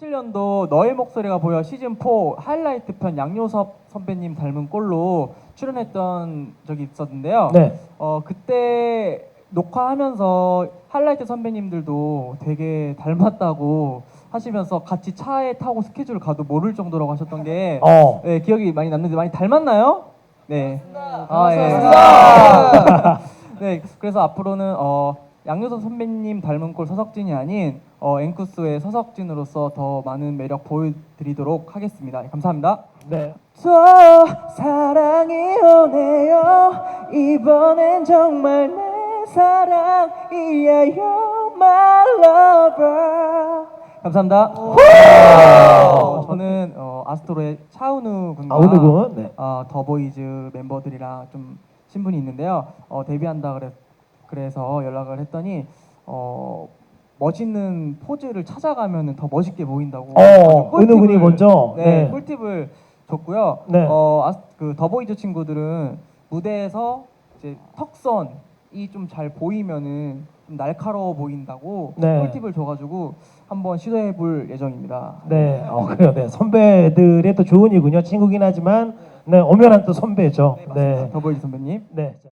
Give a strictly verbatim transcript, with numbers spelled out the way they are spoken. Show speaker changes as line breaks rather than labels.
이천십칠 년도 너의 목소리가 보여 시즌 사 하이라이트 편 양요섭 선배님 닮은 꼴로 출연했던 적이 있었는데요.
네.
어 그때 녹화하면서 하이라이트 선배님들도 되게 닮았다고 하시면서 같이 차에 타고 스케줄 가도 모를 정도라고 하셨던 게
어.
네, 기억이 많이 남는데 많이 닮았나요? 네. 아, 예. 네, 그래서 앞으로는 어, 양요섭 선배님 닮은 꼴 서석진이 아닌 어, 앵쿠스의 서석진으로서 더 많은 매력 보여드리도록 하겠습니다. 감사합니다.
네.
저 사랑이 오네요. 이번엔 정말 내 사랑이에요, my lover. 감사합니다. 어, 저는 어, 아스트로의 차은우 군과
아우느 군. 네.
어, 더보이즈 멤버들이랑 좀 친분이 있는데요. 어, 데뷔한다 그래, 그래서 연락을 했더니 어, 멋있는 포즈를 찾아가면 더 멋있게 보인다고.
어,
꿀팁을-
은우 군이 먼저.
네,
네.
꿀팁을 줬고요.
네.
어, 아스, 그 더보이즈 친구들은 무대에서 이제 턱선이 좀 잘 보이면은 좀 날카로워 보인다고
네.
꿀팁을 줘가지고 한번 시도해볼 예정입니다.
네. 어, 그래요. 네. 선배들의 또 좋은 이군요. 친구긴 하지만 네, 오면한 또 선배죠.
맞습니다.
네.
더보이즈 선배님.
네.